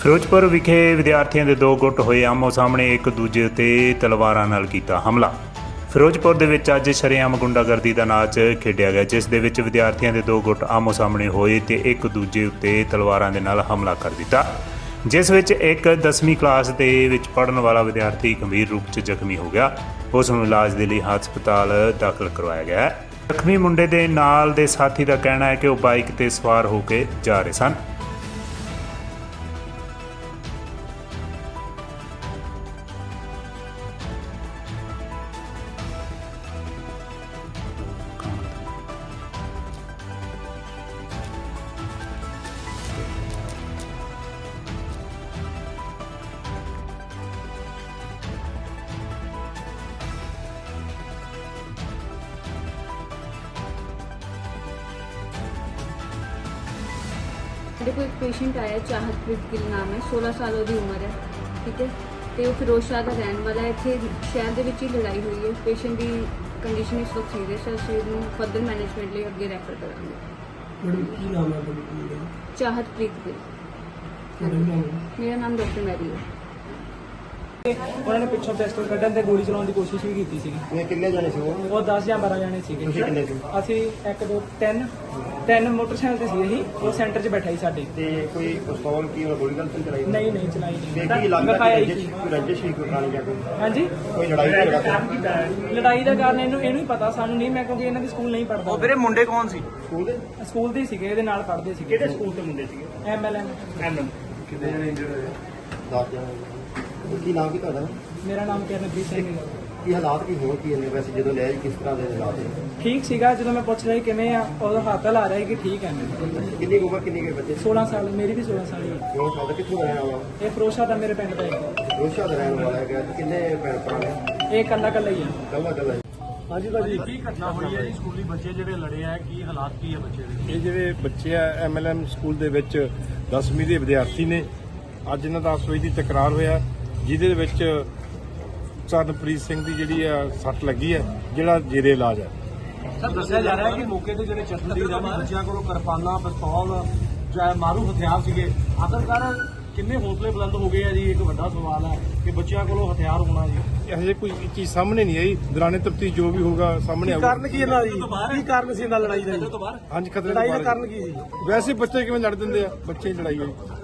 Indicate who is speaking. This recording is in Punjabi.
Speaker 1: ਫਿਰੋਜ਼ਪੁਰ ਵਿਖੇ ਵਿਦਿਆਰਥੀਆਂ ਦੇ ਦੋ ਗੁੱਟ ਹੋਏ ਆਮੋ ਸਾਹਮਣੇ ਇੱਕ ਦੂਜੇ ਉੱਤੇ ਤਲਵਾਰਾਂ ਨਾਲ ਕੀਤਾ ਹਮਲਾ। ਫਿਰੋਜ਼ਪੁਰ ਦੇ ਵਿੱਚ ਅੱਜ ਸ਼ਰੇਆਮ ਗੁੰਡਾਗਰਦੀ ਦਾ ਨਾਚ ਖੇਡਿਆ ਗਿਆ, ਜਿਸ ਦੇ ਵਿੱਚ ਵਿਦਿਆਰਥੀਆਂ ਦੇ ਦੋ ਗੁੱਟ ਆਮੋ ਸਾਹਮਣੇ ਹੋਏ ਤੇ ਇੱਕ ਦੂਜੇ ਉੱਤੇ ਤਲਵਾਰਾਂ ਦੇ ਨਾਲ ਹਮਲਾ ਕਰ ਦਿੱਤਾ, ਜਿਸ ਵਿੱਚ ਇੱਕ 10ਵੀਂ ਕਲਾਸ ਦੇ ਵਿੱਚ ਪੜ੍ਹਨ ਵਾਲਾ ਵਿਦਿਆਰਥੀ ਗੰਭੀਰ ਰੂਪ 'ਚ ਜ਼ਖਮੀ ਹੋ ਗਿਆ। ਉਸ ਨੂੰ ਇਲਾਜ ਦੇ ਲਈ ਹਸਪਤਾਲ ਦਾਖਲ ਕਰਵਾਇਆ ਗਿਆ ਹੈ। ਜ਼ਖਮੀ ਮੁੰਡੇ ਦੇ ਨਾਲ ਦੇ ਸਾਥੀ ਦਾ ਕਹਿਣਾ ਹੈ ਕਿ ਉਹ ਬਾਈਕ ਤੇ ਸਵਾਰ ਹੋ ਕੇ ਜਾ ਰਹੇ ਸਨ।
Speaker 2: मेरे को एक पेशेंट आया, चाहतप्रीत गिल नाम है, 16 साल की उम्र है, ठीक है। तो वो फिरोज शाह का रहने वाला है। इतने शहर के ही लड़ाई हुई है। पेशेंट की कंडीशन इस वक्त सीरियस है। उसे फर्दर मैनेजमेंट लिए अगे रैफर करेंगे।
Speaker 3: मैडम की नाम है?
Speaker 2: चाहतप्रीत गिल। मेरा नाम डॉक्टर मैरी है।
Speaker 3: उन्होंने पिछों पिस्टल कढ़न ते गोली चलाने की कोशिश भी की थी।
Speaker 4: कितने जाने से
Speaker 3: वो 10 या 12 जाने सी।
Speaker 4: ਤੁਸੀਂ ਕਿੰਨੇ ਸੀ?
Speaker 3: ਅਸੀਂ 1 2 3 मोटरसाइकिल ਤੇ ਸੀ। ਅਸੀਂ ਉਹ ਸੈਂਟਰ 'ਚ ਬੈਠਾ ਸੀ ਸਾਡੇ।
Speaker 4: ਤੇ ਕੋਈ ਪਿਸਤੌਲ ਕੀ ਉਹ ਗੋਲੀ ਗਨ ਤਾਂ ਚਲਾਈ
Speaker 3: ਨਹੀਂ ਚਲਾਈ
Speaker 4: ਤੇ
Speaker 3: ਨਹੀਂ।
Speaker 4: ਕੀ ਲੱਗਦਾ
Speaker 3: ਦਿਖਾਇਆ
Speaker 4: ਕਿ
Speaker 3: ਹੀ
Speaker 4: ਰੰਜਿਸ਼
Speaker 3: ਸੀ।
Speaker 4: ਕੋਈ ਰੰਜਿਸ਼ ਹੀ ਕੋਈ ਖਾਣੀ ਜਾਂ ਕੋਈ
Speaker 3: ਹਾਂਜੀ,
Speaker 4: ਕੋਈ ਲੜਾਈ ਝਗੜਾ
Speaker 3: ਲੜਾਈ ਦਾ ਕਾਰਨ ਇਹਨੂੰ ਹੀ ਪਤਾ, ਸਾਨੂੰ ਨਹੀਂ। ਮੈਂ ਕਿਉਂਕਿ ਇਹਨਾਂ ਦੀ ਸਕੂਲ ਨਹੀਂ ਪੜ੍ਹਦਾ।
Speaker 5: ਉਹ ਵੀਰੇ ਮੁੰਡੇ ਕੌਣ ਸੀ?
Speaker 4: ਸਕੂਲ ਦੇ
Speaker 3: ਸਕੂਲ ਦੇ ਹੀ ਸੀਗੇ, ਇਹਦੇ ਨਾਲ ਪੜ੍ਹਦੇ ਸੀਗੇ।
Speaker 4: ਕਿਹੜੇ ਸਕੂਲ ਤੋਂ ਮੁੰਡੇ ਸੀਗੇ?
Speaker 3: MLN।
Speaker 4: ਕਿੰਨੇ ਜਣੇ ਇੰਜਰਡ ਹੋਏ? 10 ਜਣੇ। ਕੀ ਨਾਮ ਕੀ ਤੁਹਾਡਾ?
Speaker 3: ਮੇਰਾ ਨਾਮ ਕਿਰਨਪ੍ਰੀਤ ਸਿੰਘ ਹੈ।
Speaker 4: ਕੀ ਹਾਲਾਤ ਕੀ ਹੋਣ ਕੀ ਨੇ ਵੈਸੇ ਜਦੋਂ ਲਿਆ ਜੀ ਕਿਸ ਤਰ੍ਹਾਂ ਦੇ ਹਾਲਾਤ ਨੇ?
Speaker 3: ਠੀਕ ਸੀਗਾ। ਜਦੋਂ ਮੈਂ ਪੁੱਛ ਰਿਹਾ ਸੀ ਕਿਵੇਂ ਆ, ਉਹਦਾ ਹੱਥ ਲਾ ਰਿਹਾ ਸੀ ਕਿ ਠੀਕ ਹੈ।
Speaker 4: ਕਿੰਨੀ ਕੁ ਉਮਰ ਕਿੰਨੀ ਕੁ ਬੱਚੇ
Speaker 3: 16 ਸਾਲ, ਮੇਰੀ ਵੀ 16 ਸਾਲ ਹੀ ਹੈ।
Speaker 4: ਕਿਉਂ ਸਾਡਾ ਕਿੱਥੋਂ ਦਾ ਰਹਿਣ ਵਾਲਾ?
Speaker 3: ਇਹ ਫਰੋਸ਼ਾ ਦਾ ਮੇਰੇ ਪਿੰਡ ਦਾ ਹੈ।
Speaker 4: ਰੋਸ਼ਾ ਦਾ ਰਹਿਣ ਵਾਲਾ ਹੈਗਾ। ਕਿੰਨੇ ਭੈਣ ਭਰਾ ਨੇ?
Speaker 3: ਇਹ ਇਕੱਲਾ ਹੀ ਹੈ।
Speaker 4: ਕੱਲਾ ਕੱਲਾ
Speaker 3: ਹਾਂਜੀ ਭਾਜੀ,
Speaker 5: ਕੀ ਘਟਨਾ ਹੋਈ ਹੈ ਜੀ? ਸਕੂਲੀ ਬੱਚੇ ਜਿਹੜੇ ਲੜੇ ਆ, ਕੀ ਹਾਲਾਤ ਕੀ ਹੈ ਬੱਚੇ ਦੇ?
Speaker 6: ਇਹ ਜਿਹੜੇ ਬੱਚੇ ਆ MLM ਸਕੂਲ ਦੇ ਵਿੱਚ 10ਵੀਂ ਦੇ ਵਿਦਿਆਰਥੀ ਨੇ। ਅੱਜ ਇਹਨਾਂ ਦਾ 10 ਵਜੇ ਦੀ ਤਕਰਾਰ ਹੋਇਆ, ਜਿਹਦੇ ਵਿੱਚ ਚਾਹਤਪ੍ਰੀਤ ਸਿੰਘ ਦੀ ਜਿਹੜੀ ਆ ਸੱਟ ਲੱਗੀ ਹੈ, ਜਿਹੜਾ ਜੇਰੇ ਇਲਾਜ ਹੈ।
Speaker 5: ਸਰ ਦੱਸਿਆ ਜਾ ਰਿਹਾ ਹੈ ਕਿ ਮੌਕੇ ਤੇ ਜਿਹੜੇ ਚਸ਼ਮਦੀਦ ਆ ਬੱਚਿਆਂ ਕੋਲੋਂ ਕਿਰਪਾਨਾਂ, ਪਿਸਤੌਲ ਜਾਂ ਮਾਰੂ ਹਥਿਆਰ ਸੀਗੇ। ਆਖਰਕਾਰ ਕਿੰਨੇ ਹੌਸਲੇ ਬੁਲੰਦ ਹੋ ਗਏ ਆ ਜੀ? ਇੱਕ ਵੱਡਾ ਸਵਾਲ ਹੈ ਕਿ ਬੱਚਿਆਂ ਕੋਲੋਂ ਹਥਿਆਰ ਹੋਣਾ ਜੀ।
Speaker 6: ਹਜੇ ਕੋਈ ਚੀਜ਼ ਸਾਹਮਣੇ ਨਹੀਂ ਆਈ। ਦੌਰਾਨੇ ਤਫਤੀਸ਼ ਜੋ ਵੀ ਹੋਗਾ ਸਾਹਮਣੇ ਆਊਗਾ।
Speaker 3: ਕਾਰਨ ਕੀ ਇਹਨਾਂ ਦੀ? ਕੀ ਕਾਰਨ ਸੀ ਇਹਨਾਂ ਲੜਾਈ ਦਾ?
Speaker 6: ਹਾਂਜੀ, ਖਤਰੇ
Speaker 3: ਲੜਾਈ
Speaker 6: ਤੋਂ
Speaker 3: ਦਾ
Speaker 6: ਬਾਹਰ
Speaker 3: ਕਾਰਨ ਕੀ ਸੀ?
Speaker 6: ਵੈਸੇ ਬੱਚੇ ਕਿਵੇਂ ਲੜ ਦਿੰਦੇ ਆ? ਬੱਚੇ ਹੀ ਲੜਾਈ ਹੋਈ।